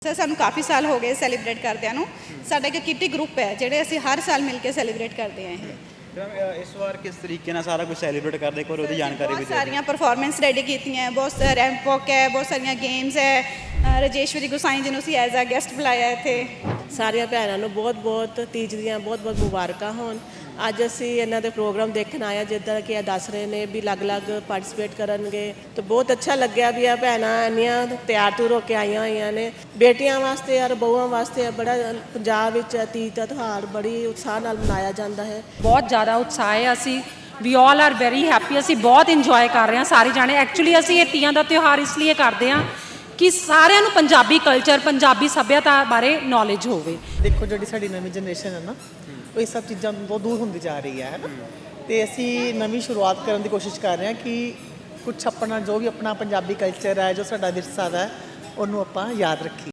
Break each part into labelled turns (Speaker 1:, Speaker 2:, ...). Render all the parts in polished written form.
Speaker 1: Sir सानू काफ़ी साल हो गए सैलीब्रेट करदिਆਂ ਨੂੰ ਸਾਡਾ ਇੱਕ ਕਿੱਟੀ ਗਰੁੱਪ ਹੈ ਜਿਹੜੇ ਅਸੀਂ ਹਰ ਸਾਲ ਮਿਲ ਕੇ ਸੈਲੀਬ੍ਰੇਟ ਕਰਦੇ ਆਂ ਇਹ
Speaker 2: ਇਸ ਵਾਰ ਕਿਸ ਤਰੀਕੇ ਨਾਲ ਸਾਰਾ ਕੁਝ ਸੈਲੀਬ੍ਰੇਟ ਕਰਦੇ ਕੋਈ ਉਹਦੀ ਜਾਣਕਾਰੀ ਵੀ
Speaker 1: ਬਹੁਤ ਸਾਰੀਆਂ ਪਰਫਾਰਮੈਂਸ ਰੈਡੀ ਕੀਤੀਆਂ ਬਹੁਤ ਰੈਂਪ ਵਾਕ ਹੈ ਬਹੁਤ ਸਾਰੀਆਂ ਗੇਮਸ ਹੈ ਰਜੇਸ਼ਵਰੀ ਗੁਸਾਈ ਜੀ ਨੂੰ ਅਸੀਂ ਐਜ਼ ਅ ਗੈਸਟ ਬੁਲਾਇਆ ਇੱਥੇ
Speaker 3: ਸਾਰੀਆਂ ਭੈਣਾਂ ਨੂੰ ਬਹੁਤ ਤੀਜ ਦੀਆਂ ਬਹੁਤ ਮੁਬਾਰਕਾਂ ਹੋਣ। ਅੱਜ ਅਸੀਂ ਇਹਨਾਂ ਦੇ ਪ੍ਰੋਗਰਾਮ ਦੇਖਣ ਆਏ ਹਾਂ ਜਿੱਦਾਂ ਕਿ ਇਹ ਦੱਸ ਰਹੇ ਨੇ ਵੀ ਅਲੱਗ-ਅਲੱਗ ਪਾਰਟਿਸਿਪੇਟ ਕਰਨਗੇ ਤਾਂ ਬਹੁਤ ਅੱਛਾ ਲੱਗਿਆ ਵੀ ਇਹ ਭੈਣਾਂ ਇੰਨੀਆਂ ਤਿਆਰ ਤੁਰ ਹੋ ਕੇ ਆਈਆਂ ਹੋਈਆਂ ਨੇ ਬੇਟੀਆਂ ਵਾਸਤੇ ਔਰ ਬਹੂਆਂ ਵਾਸਤੇ ਬੜਾ ਪੰਜਾਬ ਵਿੱਚ ਤੀਜ ਦਾ ਤਿਉਹਾਰ ਬੜੀ ਉਤਸ਼ਾਹ ਨਾਲ ਮਨਾਇਆ ਜਾਂਦਾ ਹੈ।
Speaker 4: ਬਹੁਤ ਜ਼ਿਆਦਾ ਉਤਸ਼ਾਹ ਹੈ। ਅਸੀਂ ਵੀ ਆਲ ਆਰ ਵੈਰੀ ਹੈਪੀ। ਅਸੀਂ ਬਹੁਤ ਇੰਜੋਏ ਕਰ ਰਹੇ ਹਾਂ ਸਾਰੇ ਜਾਣੇ। ਐਕਚੁਅਲੀ ਅਸੀਂ ਇਹ ਤੀਆਂ ਦਾ ਤਿਉਹਾਰ ਇਸ ਲਈ ਕਰਦੇ ਹਾਂ ਕਿ ਸਾਰਿਆਂ ਨੂੰ ਪੰਜਾਬੀ ਕਲਚਰ ਪੰਜਾਬੀ ਸੱਭਿਅਤਾ ਬਾਰੇ ਨੌਲੇਜ ਹੋਵੇ।
Speaker 5: ਦੇਖੋ ਜਿਹੜੀ ਸਾਡੀ ਨਵੀਂ ਜਨਰੇਸ਼ਨ ਹੈ ਨਾ ਉਹ ਇਹ ਸਭ ਚੀਜ਼ਾਂ ਤੋਂ ਦੂਰ ਹੁੰਦੀ ਜਾ ਰਹੀ ਹੈ ਨਾ ਤੇ ਅਸੀਂ ਨਵੀਂ ਸ਼ੁਰੂਆਤ ਕਰਨ ਦੀ ਕੋਸ਼ਿਸ਼ ਕਰ ਰਹੇ ਹਾਂ ਕਿ ਕੁਝ ਆਪਣਾ ਜੋ ਵੀ ਆਪਣਾ ਪੰਜਾਬੀ ਕਲਚਰ ਹੈ ਜੋ ਸਾਡਾ ਵਿਰਸਾ ਹੈ ਉਹਨੂੰ ਆਪਾਂ ਯਾਦ ਰੱਖੀਏ।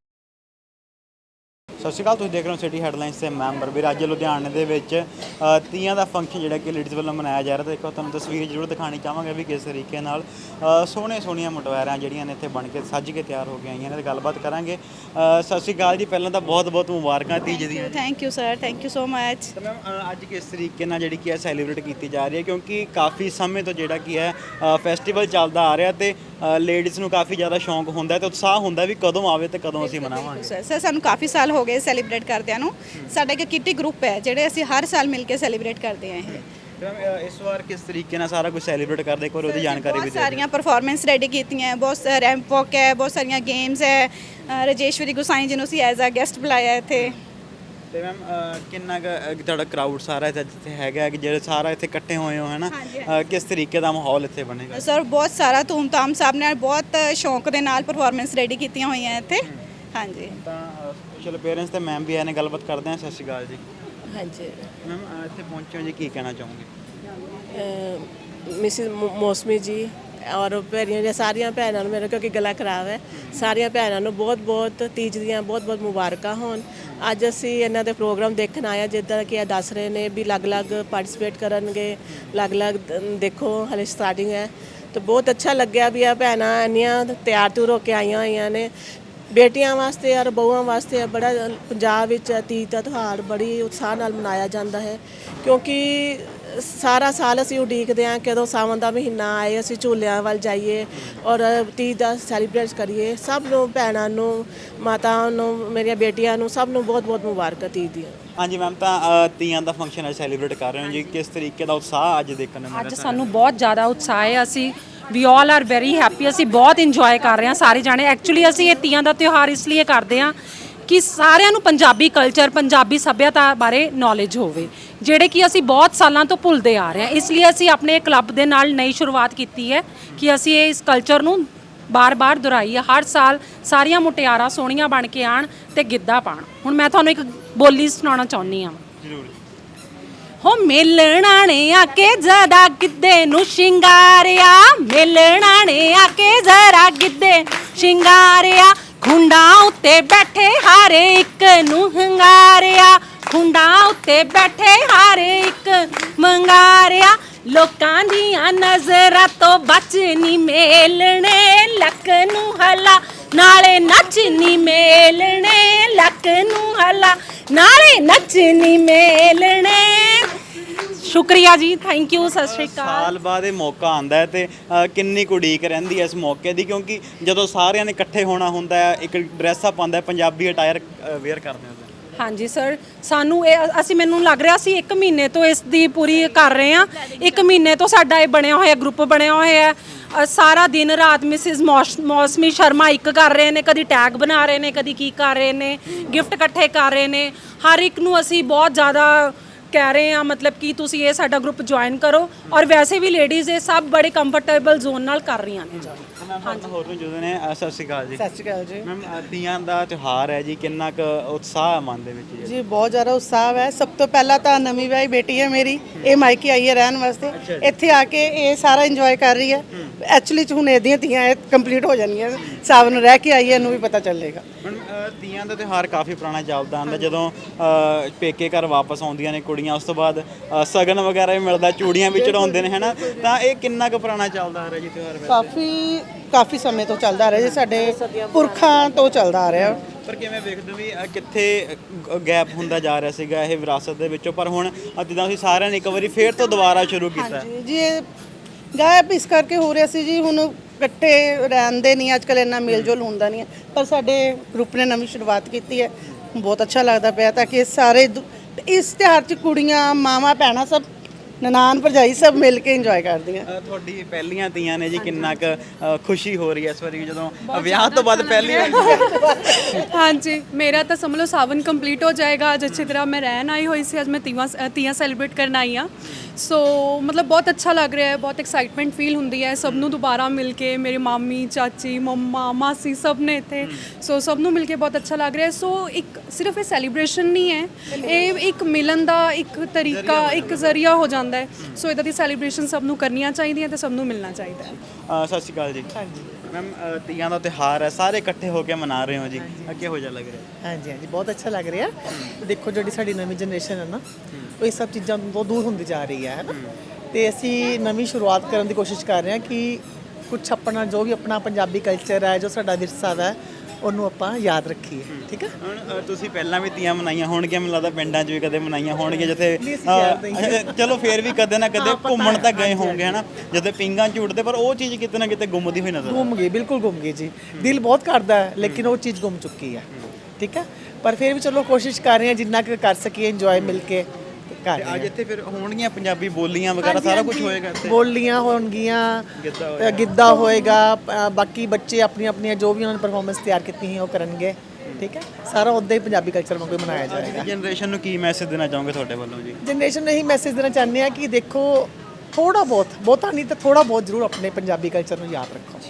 Speaker 2: ਸਤਿ ਸ਼੍ਰੀ ਅਕਾਲ, ਤੁਸੀਂ ਦੇਖ ਰਹੇ ਹੋ ਸਿਟੀ ਹੈਡਲਾਈਨਸ ਤੇ ਮੈਂਬਰ ਵੀ। ਅੱਜ ਲੁਧਿਆਣੇ ਦੇ ਵਿੱਚ ਤੀਆਂ ਦਾ ਫੰਕਸ਼ਨ ਜਿਹੜਾ ਕਿ ਲੇਡੀਜ਼ ਵੱਲੋਂ ਮਨਾਇਆ ਜਾ ਰਿਹਾ ਤੇ ਦੇਖੋ ਤੁਹਾਨੂੰ ਤਸਵੀਰ ਜ਼ਰੂਰ ਦਿਖਾਣੀ ਚਾਹਾਂਗੇ ਵੀ ਕਿਸ ਤਰੀਕੇ ਨਾਲ ਸੋਹਣੀਆਂ ਮੁਟਵੈਰਾਂ ਜਿਹੜੀਆਂ ਨੇ ਇੱਥੇ ਬਣ ਕੇ ਸੱਜ ਕੇ ਤਿਆਰ ਹੋ ਕੇ ਆਈਆਂ ਨੇ ਤੇ ਗੱਲਬਾਤ ਕਰਾਂਗੇ। ਸਤਿ ਸ਼੍ਰੀ ਅਕਾਲ ਜੀ, ਪਹਿਲਾਂ ਤਾਂ ਬਹੁਤ ਮੁਬਾਰਕਾਂ ਤੀਜ ਦੀਆਂ।
Speaker 1: Thank you sir, thank you so much.
Speaker 2: ਤਾਂ ਮੈਮ ਅੱਜ ਕਿਸ ਤਰੀਕੇ ਨਾਲ ਜਿਹੜੀ ਕਿ ਹੈ ਸੈਲੀਬ੍ਰੇਟ ਕੀਤੀ ਜਾ ਰਹੀ ਹੈ ਕਿਉਂਕਿ ਕਾਫੀ ਸਮੇਂ ਤੋਂ ਜਿਹੜਾ ਕੀ ਹੈ ਫੈਸਟੀਵਲ ਚੱਲਦਾ ਆ ਰਿਹਾ ਤੇ ਲੇਡੀਜ਼ ਨੂੰ ਕਾਫੀ ਜ਼ਿਆਦਾ ਸ਼ੌਂਕ ਹੁੰਦਾ ਤੇ ਉਤਸ਼ਾਹ ਹੁੰਦਾ ਵੀ ਕਦੋਂ ਆਵੇ ਤੇ ਕਦੋਂ ਅਸੀਂ ਮਨਾਵਾਂਗੇ।
Speaker 1: ਸਰ ਸਾਨੂੰ ਕਾਫੀ ਸਾਲ ਹੋ ਗਏ ਸੈਲੀਬ੍ਰੇਟ ਕਰਦਿਆਂ ਨੂੰ ਸਾਡਾ ਇੱਕ ਕਿੱਟੀ ਗਰੁੱਪ ਹੈ ਜਿਹੜੇ ਅਸੀਂ ਹਰ ਸਾਲ ਮਿਲ ਕੇ ਸੈਲੀਬ੍ਰੇਟ ਕਰਦੇ ਆਂ ਇਹ
Speaker 2: ਇਸ ਵਾਰ ਕਿਸ ਤਰੀਕੇ ਨਾਲ ਸਾਰਾ ਕੁਝ ਸੈਲੀਬ੍ਰੇਟ ਕਰਦੇ ਕੋਈ ਉਹਦੀ ਜਾਣਕਾਰੀ ਵੀ
Speaker 1: ਬਹੁਤ ਸਾਰੀਆਂ ਪਰਫਾਰਮੈਂਸ ਰੈਡੀ ਕੀਤੀਆਂ ਬਹੁਤ ਰੈਂਪ ਵਾਕ ਹੈ ਬਹੁਤ ਸਾਰੀਆਂ ਗੇਮਸ ਹੈ ਰਜੇਸ਼ਵਰੀ ਗੁਸਾਈ ਜੀ ਨੂੰ ਅਸੀਂ ਐਜ਼ ਅ ਗੈਸਟ ਬੁਲਾਇਆ ਇੱਥੇ।
Speaker 2: ਤੇ ਮੈਮ ਕਿੰਨਾ ਕੁ ਤੁਹਾਡਾ ਕਰਾਊਡ ਸਾਰਾ ਇੱਥੇ ਹੈਗਾ ਕਿ ਜਿਹੜੇ ਸਾਰਾ ਇੱਥੇ ਇਕੱਠੇ ਹੋਏ ਹੋ ਹੈ ਨਾ ਕਿਸ ਤਰੀਕੇ ਦਾ ਮਾਹੌਲ ਇੱਥੇ ਬਣੇਗਾ?
Speaker 1: ਸਰ ਬਹੁਤ ਸਾਰਾ ਧੂਮਧਾਮ ਸਾਹਿਬ ਨਾਲ ਬਹੁਤ ਸ਼ੌਂਕ ਦੇ ਨਾਲ ਪਰਫਾਰਮੈਂਸ ਰੈਡੀ ਕੀਤੀਆਂ ਹੋਈਆਂ ਇੱਥੇ। ਹਾਂਜੀ
Speaker 2: ਤਾਂ ਚਲੋ ਪੇਰੈਂਟਸ ਤੇ ਮੈਮ ਵੀ ਆਏ ਨੇ, ਗੱਲਬਾਤ ਕਰਦੇ ਹਾਂ। ਸਤਿ ਸ਼੍ਰੀ ਅਕਾਲ ਜੀ।
Speaker 3: ਹਾਂਜੀ
Speaker 2: ਮੈਮ ਇੱਥੇ ਪਹੁੰਚੇ ਹੋ ਜੀ, ਕੀ ਕਹਿਣਾ ਚਾਹੋਗੇ?
Speaker 3: ਮਿਸਿਸ ਮੌਸਮੀ ਜੀ ਔਰ ਮੇਰੀਆਂ ਸਾਰੀਆਂ ਭੈਣਾਂ ਨੂੰ ਮੇਰਾ ਕਿਉਂਕਿ ਗਲਾ ਖਰਾਬ ਹੈ ਸਾਰੀਆਂ ਭੈਣਾਂ ਨੂੰ ਬਹੁਤ ਤੀਜ ਦੀਆਂ ਬਹੁਤ ਮੁਬਾਰਕਾਂ ਹੋਣ। ਅੱਜ ਅਸੀਂ ਇਹਨਾਂ ਦੇ ਪ੍ਰੋਗਰਾਮ ਦੇਖਣ ਆਏ ਹਾਂ ਜਿੱਦਾਂ ਕਿ ਇਹ ਦੱਸ ਰਹੇ ਨੇ ਵੀ ਅਲੱਗ-ਅਲੱਗ ਪਾਰਟਿਸਿਪੇਟ ਕਰਨਗੇ ਅਲੱਗ-ਅਲੱਗ ਦੇਖੋ ਹਲੇ ਸਟਾਰਟਿੰਗ ਹੈ ਤਾਂ ਬਹੁਤ ਅੱਛਾ ਲੱਗਿਆ ਵੀ ਇਹ ਭੈਣਾਂ ਇੰਨੀਆਂ ਤਿਆਰ ਤੁਰ ਹੋ ਕੇ ਆਈਆਂ ਹੋਈਆਂ ਨੇ ਬੇਟੀਆਂ ਵਾਸਤੇ ਔਰ ਬਹੂਆਂ ਵਾਸਤੇ ਬੜਾ ਪੰਜਾਬ ਵਿੱਚ ਤੀਜ ਦਾ ਤਿਉਹਾਰ ਬੜੀ ਉਤਸ਼ਾਹ ਨਾਲ ਮਨਾਇਆ ਜਾਂਦਾ ਹੈ ਕਿਉਂਕਿ ਸਾਰਾ ਸਾਲ ਅਸੀਂ ਉਡੀਕਦੇ ਹਾਂ ਕਦੋਂ ਸਾਵਣ ਦਾ ਮਹੀਨਾ ਆਏ ਅਸੀਂ ਝੂਲਿਆਂ ਵੱਲ ਜਾਈਏ ਔਰ ਤੀਜ ਦਾ ਸੈਲੀਬ੍ਰੇਟ ਕਰੀਏ। ਸਭ ਨੂੰ ਭੈਣਾਂ ਨੂੰ ਮਾਤਾ ਨੂੰ ਮੇਰੀਆਂ ਬੇਟੀਆਂ ਨੂੰ ਸਭ ਨੂੰ ਬਹੁਤ ਮੁਬਾਰਕਾਂ ਤੀਜ ਦੀਆਂ।
Speaker 2: ਹਾਂਜੀ ਮੈਮ, ਤਾਂ ਤੀਆਂ ਦਾ ਫੰਕਸ਼ਨ ਅੱਜ ਸੈਲੀਬ੍ਰੇਟ ਕਰ ਰਹੇ ਹੋ ਜੀ, ਕਿਸ ਤਰੀਕੇ ਦਾ ਉਤਸ਼ਾਹ ਅੱਜ ਦੇਖਣ ਨੂੰ ਮਿਲ ਰਿਹਾ?
Speaker 4: ਅੱਜ ਸਾਨੂੰ ਬਹੁਤ ਜ਼ਿਆਦਾ ਉਤਸ਼ਾਹ ਹੈ। ਅਸੀਂ ਵੀ ਆਲ ਆਰ ਵੈਰੀ ਹੈਪੀ। ਅਸੀਂ ਬਹੁਤ ਇੰਜੋਏ ਕਰ ਰਹੇ ਹਾਂ ਸਾਰੇ ਜਾਣੇ। ਐਕਚੁਅਲੀ ਅਸੀਂ ਇਹ ਤੀਆਂ ਦਾ ਤਿਉਹਾਰ ਇਸ ਲਈ ਕਰਦੇ ਹਾਂ ਕਿ ਸਾਰਿਆਂ ਨੂੰ ਪੰਜਾਬੀ ਕਲਚਰ ਪੰਜਾਬੀ ਸੱਭਿਅਤਾ ਬਾਰੇ ਨੌਲੇਜ ਹੋਵੇ ਜਿਹੜੇ ਕਿ ਅਸੀਂ ਬਹੁਤ ਸਾਲਾਂ ਤੋਂ ਭੁੱਲਦੇ ਆ ਰਹੇ ਹਾਂ। ਇਸ ਲਈ ਅਸੀਂ ਆਪਣੇ ਕਲੱਬ ਦੇ ਨਾਲ ਨਈ ਸ਼ੁਰੂਆਤ ਕੀਤੀ ਹੈ ਕਿ ਅਸੀਂ ਇਸ ਕਲਚਰ ਨੂੰ ਬਾਰ-ਬਾਰ ਦੁਹਰਾਈਏ। ਹਰ ਸਾਲ ਸਾਰੀਆਂ ਮੁਟਿਆਰਾਂ ਸੋਹਣੀਆਂ ਬਣ ਕੇ ਆਣ ਤੇ ਗਿੱਧਾ ਪਾਣ। ਹੁਣ ਮੈਂ ਤੁਹਾਨੂੰ ਇੱਕ ਬੋਲੀ ਸੁਣਾਉਣਾ ਚਾਹੁੰਦੀ ਹਾਂ।
Speaker 2: ਜ਼ਰੂਰ।
Speaker 4: ਹੋ ਮੇਲਣਾ ਨੇ ਆ ਕੇ ਜ਼ਰਾ ਗਿੱਧੇ ਨੂੰ ਸ਼ਿੰਗਾਰਿਆ ਮੇਲਣਾ ਨੇ ਆ ਕੇ ਜ਼ਰਾ ਗਿੱਧੇ ਸ਼ਿੰਗਾਰਿਆ ਖੁੰਡਾਂ ਉੱਤੇ ਬੈਠੇ ਹਰ ਇੱਕ ਨੂੰ ਹੰਗਾਰਿਆ ਖੁੰਡਾਂ ਉੱਤੇ ਬੈਠੇ ਹਰ ਇੱਕ ਮੰਗਾਰਿਆ ਲੋਕਾਂ ਦੀਆਂ ਨਜ਼ਰਾਂ ਤੋਂ ਬਚ ਨੀ ਮੇਲਣੇ ਲੱਕ ਨੂੰ ਹਲਾ ਨਾਲੇ ਨੱਚ ਨੀ ਮੇਲਣੇ ਲੱਕ ਨੂੰ ਹਲਾ ਨਾਲੇ ਨੱਚ ਨੀ ਮੇਲਣੇ। ਸ਼ੁਕਰੀਆ ਜੀ, ਥੈਂਕ ਯੂ, ਸਤਿ ਸ਼੍ਰੀ ਅਕਾਲ।
Speaker 2: ਸਾਲ ਬਾਅਦ ਇਹ ਮੌਕਾ ਆਉਂਦਾ ਹੈ ਤੇ ਕਿੰਨੀ ਕੁ ਉਡੀਕ ਰਹਿੰਦੀ ਹੈ ਇਸ ਮੌਕੇ ਦੀ ਕਿਉਂਕਿ ਜਦੋਂ ਸਾਰਿਆਂ ਨੇ ਇਕੱਠੇ ਹੋਣਾ ਹੁੰਦਾ ਹੈ ਇੱਕ ਡਰੈਸ ਅਪ ਆਉਂਦਾ ਪੰਜਾਬੀ ਅਟਾਇਰ ਵੇਅਰ ਕਰਦੇ ਹੋ।
Speaker 4: ਹਾਂਜੀ ਸਰ, ਸਾਨੂੰ ਇਹ ਮੈਨੂੰ ਲੱਗ ਰਿਹਾ ਸੀ 1 ਮਹੀਨੇ ਤੋਂ ਇਸ ਦੀ ਪੂਰੀ ਕਰ ਰਹੇ ਹਾਂ। 1 ਮਹੀਨੇ ਤੋਂ ਸਾਡਾ ਇਹ ਬਣਿਆ ਹੋਇਆ ਗਰੁੱਪ ਬਣਿਆ ਹੋਇਆ ਹੈ। ਸਾਰਾ ਦਿਨ ਰਾਤ ਮਿਸਿਸ ਮੌਸਮੀ ਸ਼ਰਮਾ ਇੱਕ ਕਰ ਰਹੇ ਨੇ, ਕਦੀ ਟੈਗ ਬਣਾ ਰਹੇ ਨੇ, ਕਦੀ ਕੀ ਕਰ ਰਹੇ ਨੇ, ਗਿਫਟ ਇਕੱਠੇ ਕਰ ਰਹੇ ਨੇ। ਹਰ ਇੱਕ ਨੂੰ ਅਸੀਂ ਬਹੁਤ ਜ਼ਿਆਦਾ ਕਹਿ ਰਹੇ ਹਾਂ ਮਤਲਬ ਕਿ ਤੁਸੀਂ ਇਹ ਸਾਡਾ ਗਰੁੱਪ ਜੁਆਇਨ ਕਰੋ ਔਰ ਵੈਸੇ ਵੀ ਲੇਡੀਜ਼ ਇਹ ਸਭ ਬੜੇ ਕੰਫਰਟੇਬਲ ਜ਼ੋਨ ਨਾਲ ਕਰ ਰਹੀਆਂ ਨੇ ਜੁਆਇਨ।
Speaker 2: ਹੋਰ ਨੂੰ ਜਦੋਂ ਨੇ ਸਤਿ ਸ਼੍ਰੀ ਅਕਾਲ ਜੀ।
Speaker 5: ਸਤਿ ਸ਼੍ਰੀ ਅਕਾਲ ਜੀ।
Speaker 2: ਮੈਮ ਤੀਆਂ ਦਾ ਤਿਉਹਾਰ ਹੈ ਜੀ, ਕਿੰਨਾ ਕੁ ਉਤਸ਼ਾਹ ਹੈ ਮਨ ਦੇ ਵਿੱਚ
Speaker 5: ਜੀ ਬਹੁਤ ਜ਼ਿਆਦਾ ਉਤਸ਼ਾਹ ਹੈ। ਸਭ ਤੋਂ ਪਹਿਲਾਂ ਤਾਂ ਨਵੀਂ ਵਿਆਹੀ ਬੇਟੀ ਹੈ ਮੇਰੀ, ਇਹ ਮਾਇਕੇ ਆਈ ਹੈ ਰਹਿਣ ਵਾਸਤੇ, ਇੱਥੇ ਆ ਕੇ ਇਹ ਸਾਰਾ ਇੰਜੋਏ ਕਰ ਰਹੀ ਹੈ। ਐਕਚੁਅਲੀ ਚ ਹੁਣ ਇਹਦੀਆਂ ਤੀਆਂ ਕੰਪਲੀਟ ਹੋ ਜਾਣਗੀਆਂ, ਸਾਵਣ ਨੂੰ ਰਹਿ ਕੇ ਆਈ ਹੈ, ਇਹਨੂੰ ਵੀ ਪਤਾ ਚੱਲੇਗਾ।
Speaker 2: ਤੀਆਂ ਦਾ ਤਿਉਹਾਰ ਕਾਫੀ ਪੁਰਾਣਾ ਚੱਲਦਾ ਆਉਂਦਾ। ਜਦੋਂ ਪੇਕੇ ਘਰ ਵਾਪਸ ਆਉਂਦੀਆਂ ਨੇ ਕੁੜੀਆਂ ਉਸ ਤੋਂ ਬਾਅਦ ਸਗਨ ਵਗੈਰਾ ਵੀ ਮਿਲਦਾ, ਚੂੜੀਆਂ ਵੀ ਚੜਾਉਂਦੇ ਨੇ, ਹੈ ਨਾ? ਤਾਂ ਇਹ ਕਿੰਨਾ ਕੁ ਪੁਰਾਣਾ ਚੱਲਦਾ ਆ ਰਿਹਾ ਜੀ ਤਿਉਹਾਰ?
Speaker 5: ਕਾਫੀ ਸਮੇਂ ਤੋਂ ਚੱਲਦਾ ਆ ਰਿਹਾ ਜੀ, ਸਾਡੇ ਪੁਰਖਾਂ ਤੋਂ ਚੱਲਦਾ ਆ ਰਿਹਾ
Speaker 2: ਪਰ ਕਿਵੇਂ ਵੇਖਦੇ ਹੋ ਵੀ ਕਿੱਥੇ ਗੈਪ ਹੁੰਦਾ ਜਾ ਰਿਹਾ ਸੀਗਾ ਇਹ ਵਿਰਾਸਤ ਦੇ ਵਿੱਚੋਂ, ਪਰ ਹੁਣ ਜਿੱਦਾਂ ਅਸੀਂ ਸਾਰਿਆਂ ਨੇ ਇੱਕ ਵਾਰੀ ਫੇਰ ਤੋਂ ਦੁਬਾਰਾ ਸ਼ੁਰੂ ਕੀਤਾ।
Speaker 6: ਜੀ ਇਹ ਗਾਇਬ ਇਸ ਕਰਕੇ ਹੋ ਰਿਹਾ ਸੀ ਜੀ, ਹੁਣ ਇਕੱਠੇ ਰਹਿੰਦੇ ਨਹੀਂ ਅੱਜ ਕੱਲ੍ਹ, ਇੰਨਾ ਮੇਲ ਜੋਲ ਹੁੰਦਾ ਨਹੀਂ ਹੈ, ਪਰ ਸਾਡੇ ਗਰੁੱਪ ਨੇ ਨਵੀਂ ਸ਼ੁਰੂਆਤ ਕੀਤੀ ਹੈ, ਬਹੁਤ ਅੱਛਾ ਲੱਗਦਾ ਪਿਆ ਤਾਂ ਕਿ ਸਾਰੇ ਇਸ ਤਿਉਹਾਰ 'ਚ ਕੁੜੀਆਂ ਮਾਵਾਂ ਭੈਣਾਂ ਸਭ ਨਨਾਣ ਭਰਜਾਈ ਸਭ ਮਿਲ ਕੇ ਇੰਜੋਏ ਕਰਦੀਆਂ।
Speaker 2: ਤੁਹਾਡੀ ਪਹਿਲੀਆਂ ਤੀਆਂ ਨੇ ਜੀ, ਕਿੰਨਾ ਕੁ ਖੁਸ਼ੀ ਹੋ ਰਹੀ ਹੈ ਇਸ ਵਾਰੀ ਜਦੋਂ ਵਿਆਹ ਤੋਂ ਬਾਅਦ ਪਹਿਲੀ ਵਾਰ?
Speaker 7: हाँ जी, मेरा तो समझ लो सावन कंप्लीट हो जाएगा। आज अच्छी तरह मैं रहन आई हुई सी, आज मैं तीयां सैलीब्रेट करना आई हाँ। सो मतलब बहुत अच्छा लग रहा है, बहुत एक्साइटमेंट फील होंगी है सब नूं दोबारा मिल के, मेरी मामी चाची मम्मा मासी सब ने इत्थे, सो सब नूं मिल के बहुत अच्छा लग रहा है। सो एक सिर्फ ये सैलीब्रेशन नहीं है, ये एक मिलन का एक तरीका एक जरिया हो जाता है। सो इदां दी सैलीब्रेशन सब नूं करनियां चाहिए ते सब नूं मिलना चाहिए।
Speaker 2: ਸਤਿ ਸ਼੍ਰੀ ਅਕਾਲ ਜੀ। ਹਾਂਜੀ ਮੈਮ, ਤੀਆਂ ਦਾ ਤਿਉਹਾਰ ਹੈ, ਸਾਰੇ ਇਕੱਠੇ ਹੋ ਕੇ ਮਨਾ ਰਹੇ ਹੋ ਜੀ, ਕਿਹੋ ਜਿਹਾ ਲੱਗ ਰਿਹਾ?
Speaker 5: ਹਾਂਜੀ ਹਾਂਜੀ ਬਹੁਤ ਅੱਛਾ ਲੱਗ ਰਿਹਾ। ਦੇਖੋ ਜਿਹੜੀ ਸਾਡੀ ਨਵੀਂ ਜਨਰੇਸ਼ਨ ਹੈ ਨਾ, ਉਹ ਇਹ ਸਭ ਚੀਜ਼ਾਂ ਤੋਂ ਦੂਰ ਹੁੰਦੀ ਜਾ ਰਹੀ ਹੈ ਨਾ, ਤੇ ਅਸੀਂ ਨਵੀਂ ਸ਼ੁਰੂਆਤ ਕਰਨ ਦੀ ਕੋਸ਼ਿਸ਼ ਕਰ ਰਹੇ ਹਾਂ ਕਿ ਕੁਝ ਆਪਣਾ ਜੋ ਵੀ ਆਪਣਾ ਪੰਜਾਬੀ ਕਲਚਰ ਹੈ, ਜੋ ਸਾਡਾ ਵਿਰਸਾ ਹੈ, ਉਹਨੂੰ ਆਪਾਂ ਯਾਦ ਰੱਖੀਏ। ਠੀਕ ਹੈ।
Speaker 2: ਹੁਣ ਤੁਸੀਂ ਪਹਿਲਾਂ ਵੀ ਤੀਆਂ ਮਨਾਈਆਂ ਹੋਣਗੀਆਂ, ਮੈਨੂੰ ਲੱਗਦਾ ਪਿੰਡਾਂ 'ਚ ਵੀ ਕਦੇ ਮਨਾਈਆਂ ਹੋਣਗੀਆਂ, ਜਿੱਥੇ ਚਲੋ ਫੇਰ ਵੀ ਕਦੇ ਨਾ ਕਦੇ ਘੁੰਮਣ ਤਾਂ ਗਏ ਹੋਣਗੇ ਹਨਾ, ਜਦੋਂ ਪਿੰਗਾਂ ਝੂਟਦੇ, ਪਰ ਉਹ ਚੀਜ਼ ਕਿਤੇ ਨਾ ਕਿਤੇ ਗੁੰਮਦੀ ਹੋਈ ਨਜ਼ਰ
Speaker 5: ਗੁੰਮ ਗਈ, ਬਿਲਕੁਲ ਗੁੰਮ ਗਈ ਜੀ। ਦਿਲ ਬਹੁਤ ਕਰਦਾ ਹੈ ਲੇਕਿਨ ਉਹ ਚੀਜ਼ ਗੁੰਮ ਚੁੱਕੀ ਹੈ। ਠੀਕ ਹੈ, ਪਰ ਫਿਰ ਵੀ ਚਲੋ ਕੋਸ਼ਿਸ਼ ਕਰ ਰਹੇ ਹਾਂ ਜਿੰਨਾ ਕੁ ਕਰ ਸਕੀਏ ਇੰਜੋਏ ਮਿਲ ਕੇ ਕਰ ਰਹੇ
Speaker 2: ਅੱਜ ਇੱਥੇ ਫਿਰ ਹੋਣਗੀਆਂ ਪੰਜਾਬੀ ਬੋਲੀਆਂ ਵਗੈਰਾ ਸਾਰਾ ਕੁਝ ਹੋਏਗਾ ਇੱਥੇ?
Speaker 5: ਬੋਲੀਆਂ ਹੋਣਗੀਆਂ, ਗਿੱਧਾ ਹੋਏਗਾ, ਬਾਕੀ ਬੱਚੇ ਆਪਣੀਆਂ ਆਪਣੀਆਂ ਜੋ ਵੀ ਉਹਨਾਂ ਨੇ ਪਰਫਾਰਮੈਂਸ ਤਿਆਰ ਕੀਤੀ ਸੀ ਉਹ ਕਰਨਗੇ। ਠੀਕ ਹੈ, ਸਾਰਾ ਉੱਦਾਂ ਹੀ ਪੰਜਾਬੀ ਕਲਚਰ ਵਾਂਗੂ ਮਨਾਇਆ ਜਾਏਗਾ।
Speaker 2: ਜਨਰੇਸ਼ਨ ਨੂੰ ਕੀ ਮੈਸੇਜ ਦੇਣਾ ਚਾਹੋਗੇ ਤੁਹਾਡੇ ਵੱਲੋਂ ਜੀ?
Speaker 5: ਜਨਰੇਸ਼ਨ ਨੂੰ ਇਹੀ ਮੈਸੇਜ ਦੇਣਾ ਚਾਹੁੰਦੇ ਆ ਕਿ ਦੇਖੋ ਥੋੜਾ ਬਹੁਤ, ਬਹੁਤਾ ਨਹੀਂ ਤਾਂ ਥੋੜਾ ਬਹੁਤ ਜ਼ਰੂਰ ਆਪਣੇ ਪੰਜਾਬੀ ਕਲਚਰ ਨੂੰ ਯਾਦ ਰੱਖੋ।